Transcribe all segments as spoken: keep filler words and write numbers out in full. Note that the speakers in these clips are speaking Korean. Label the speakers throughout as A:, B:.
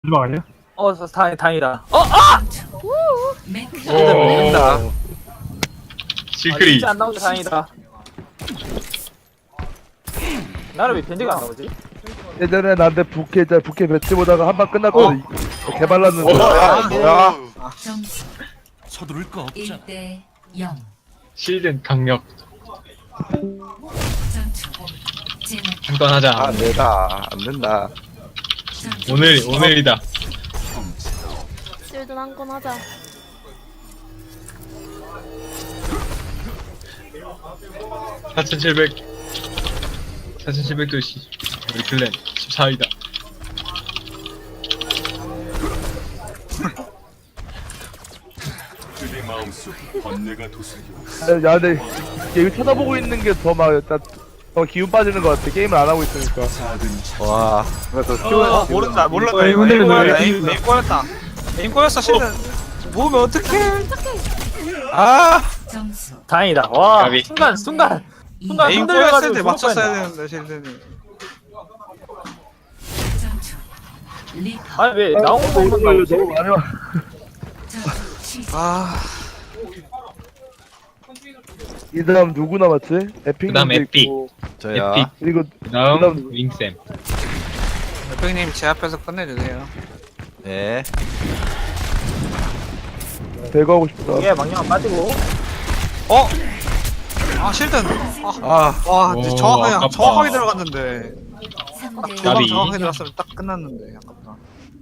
A: 마지막 아니야?
B: 어, 다, 다, 다행이다. 어, 아!
C: 오.
B: 아,
C: 시크릿.
B: 진짜 안 나오지 다행이다. 나는 왜 변제가 안 나오지?
D: 예전에 나한테 부캐 자 부캐 배치 보다가 한 방 끝났거든. 개발랐는데.
C: 야, 뭐야?
E: 점수
F: 서두를 거 없잖아.
E: 일 대 영.
C: 실든 강력.
E: 전투 진행.
C: 한건 하자.
G: 안 된다. 안 된다.
E: 전투
C: 오늘 오늘이다.
H: 실드 한건 하자.
C: 사천칠백. 사천칠백 도시. 우리 클랜 십사 위다.
F: 그대 마음속 번뇌가 도슬려.
D: 야, 근데 게임 쳐다보고 있는 게 더 막 일단 더 기운 빠지는 것 같아. 게임을 안 하고 있으니까.
F: 작은 차.
G: 와. 그래서
B: 어,
G: 키워.
B: 모른다, 몰랐다.
A: 어, 이거 흔들린다,
B: 꼬였다,
A: 이거
B: 에임,
A: 흔들린다.
B: 에임 꼬였다. 에임 꼬였어, 실은. 모으면 어떡해.
G: 아.
E: 점수
B: 다행이다. 와,
C: 가비.
B: 순간, 순간. 순간
I: 에임
B: 흔들려가지고
I: 꼬였을 때
B: 죽을
I: 맞췄어야
B: 뻔했네.
I: 되는데 실드님.
E: 전투 리퍼
B: 아니, 왜 나온 거 보면
D: 너무
B: 나오지?
D: 많이 와.
E: 전투 시작.
I: 아
D: 이 다음 누구 남았지? 에픽.
C: 그다음 에픽.
G: 저야.
C: 에픽.
D: 그리고
C: 그다음
D: 그다음
C: 윙쌤.
I: 대표님 제 앞에서 끝내주세요.
G: 네.
D: 배그 하고 싶다.
B: 이게 망령아 빠지고.
I: 어? 아 실드. 아,
G: 아.
I: 와
C: 오,
I: 정확하게
C: 아깝다.
I: 정확하게 들어갔는데
E: 삼 대
I: 두방
C: 가비.
I: 정확하게 들어갔으면 딱 끝났는데 아깝다.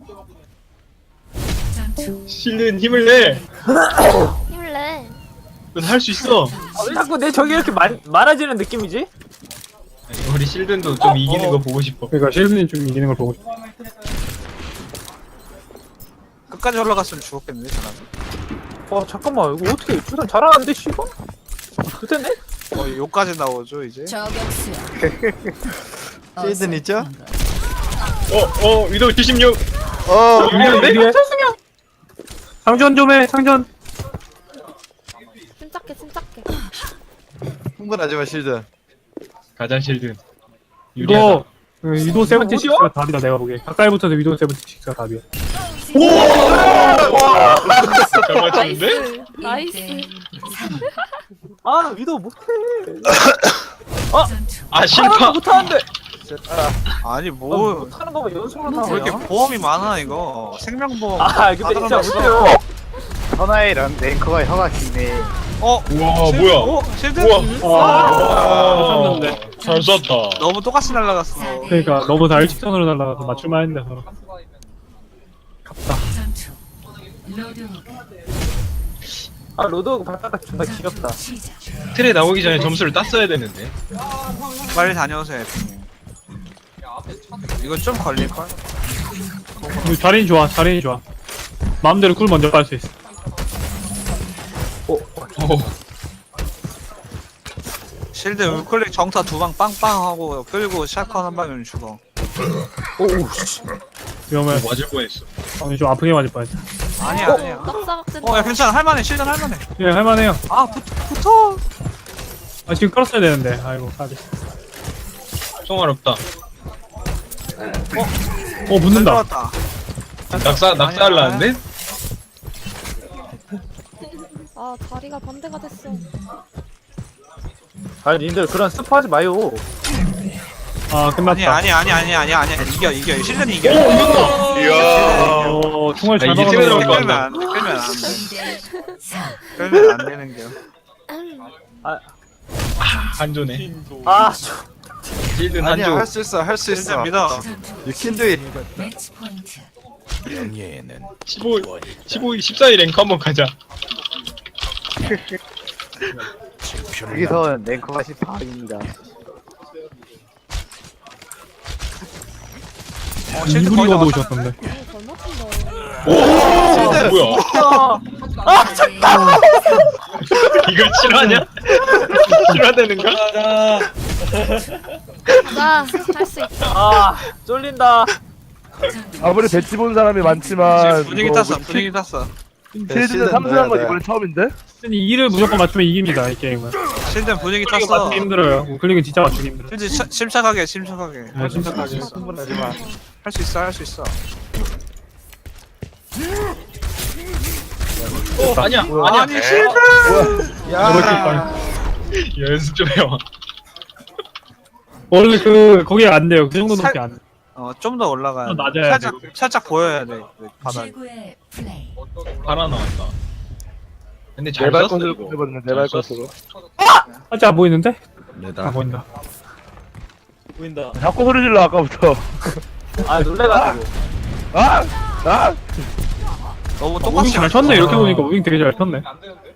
E: 전투
C: 실든 힘을 내.
H: 힘을 내.
C: 넌 할 수 있어.
B: 아, 왜 자꾸 내 적이 이렇게 많, 많아지는 느낌이지?
C: 우리 실든도 좀 이기는 거 보고 싶어.
A: 그러니까 실드님 좀 이기는 걸 보고 싶어.
I: 끝까지 올라갔으면 죽었겠는데 저는.
B: 와, 잠깐만. 이거 어떻게, 부산 잘하는데, 씨발? 그때네?
I: 어 요까지 나오죠 이제.
E: 저격수야.
G: 시즌 있죠?
C: 어, 어, 위도 칠십육.
G: 어.
C: 유리한데?
A: 상전 좀 해, 상전.
H: 침착해, 침착해.
G: 흥분하지 마 실드.
C: 가자 실든. 유리하다.
A: 이거 그 위도 세븐티 식스가 답이다 내가 보기에. 가까이 붙어서 위도 세븐티 식스가 답이야.
C: 잘 맞췄는데?
H: 나이스. 나이스.
E: 일 대 삼.
B: 아, 위도 못해.
E: 전투
C: 아
B: 하나도
C: 실파.
B: 못하는데.
I: 아니
B: 뭐,
I: 뭐
B: 못하는 거면 연속으로
I: 왜 이렇게
B: 나와요.
I: 보험이 많아 이거 생명보험.
B: 아, 근데 진짜
I: 들어갔어.
B: 못해요.
G: 선아이랑 랭커가 혀가 기네.
I: 어?
C: 우와
I: 실드?
C: 뭐야?
I: 어? 실드?
C: 우와.
A: 아, 쳤는데.
C: 잘 쐈다.
I: 너무 똑같이 날라갔어.
A: 그러니까 너무 다 일직선으로 날라가서 맞출만 했는데 서로.
E: 전투 로드
B: 아, 로드 발바닥 존나 귀엽다.
E: 시작.
C: 틀에 나오기 전에 점수를 땄어야 되는데.
I: 빨리 다녀오세요 에피님. 이건 좀 걸릴걸?
A: 이거 자리는 좋아, 자리는 좋아. 마음대로 꿀 먼저 깔 수 있어.
C: 오.
I: 실드 우클릭 정타 두 방 빵빵하고 끌고 샷건 한 방이면 죽어.
B: 오우, 씨.
A: 위험해.
C: 맞을 뻔했어.
A: 어, 좀 아프게 맞을 뻔했다.
I: 아니야 아니야.
H: 낙사각진.
I: 어 야 괜찮아 할만해 실드 할만해.
A: 예, 할만해요.
I: 아 붙, 붙어.
A: 아, 지금 끌었어야 되는데. 아이고, 가비.
C: 총알없다.
A: 어, 붙는다.
I: 들어왔다.
C: 낙사 낙사하려는데?
H: 아, 다리가 반대가 됐어.
B: 아니, 님들 그런 스포 하지 마요.
A: 아,
I: 아니
A: 끝났다.
I: 아니 아니 아니 아니 아니 이겨 이겨 실드는 이겨.
C: 이야.
A: 어, 총알 잘
C: 아, 이게
A: 막아놓은
C: 들어갈
A: 거
C: 것
I: 끌면
C: 같다.
I: 안 끌면 안 돼.
E: 이 대 사.
I: 끌면 안 되는 게.
C: 한조네.
B: 아, 저,
C: 실든
G: 아니야
C: 한조.
G: 할 수 있어 할 수
I: 실드
G: 있어.
I: 믿어.
E: 전투
G: You can do it.
E: 매치 포인트.
F: 명예에는
C: 십오, 십오, 십사 위 랭크 한번 가자.
G: 여기서 랭커가 십사입니다.
I: 어 실드
A: 이분이
I: 거의 다
A: 얻어
I: 왔다.
A: 오셨던데.
H: 잘 맞춘다.
C: 오, 뭐야?
B: 아, 잠깐!
C: 이걸 실화냐? 실화되는가?
H: 나 할 수 있다.
B: 아, 쫄린다.
D: 아무리 배치 본 사람이 많지만
I: 분위기
D: 이거
I: 탔어
D: 뭐
I: 분위기 탔어.
D: 실드는
G: 실드는
D: 삼승한 건
G: 네, 네.
D: 이번에 처음인데?
A: 이를 무조건 맞추면 이깁니다, 이 게임은.
I: 실드 분위기
A: 클릭은
I: 탔어.
A: 맞추기 힘들어요. 우클릭은 진짜 맞추기 힘들어.
I: 실드 차- 침착하게 침착하게.
A: 네, 침착하게.
I: 흥분하지 마. 할 수 있어 할 수 있어.
C: 어, 아니야 아니야
B: 아니 실드.
A: 야.
C: 연습 좀 해와.
A: 원래 그 거기가 안 돼요. 그 정도밖에 안 돼.
I: 어, 좀 더 올라가야
A: 좀
I: 돼.
A: 낮아야
I: 살짝, 살짝 보여야 돼. 그 바닥.
E: 최고의 플레이.
C: 바라 나왔다. 근데 잘
D: 내발
C: 썼어
D: 것으로
C: 이거.
D: 해버리네 내발
C: 잘 썼어.
D: 것으로.
A: 아직 안 보이는데? 아
F: 내다.
A: 보인다.
B: 보인다.
D: 자꾸 소리 질러 아까부터.
B: 아 놀래가지고.
D: 아! 아!
I: 너무
A: 무빙
I: 똑같이
A: 잘 쳤네. 이렇게 보니까 무빙 되게 잘 쳤네.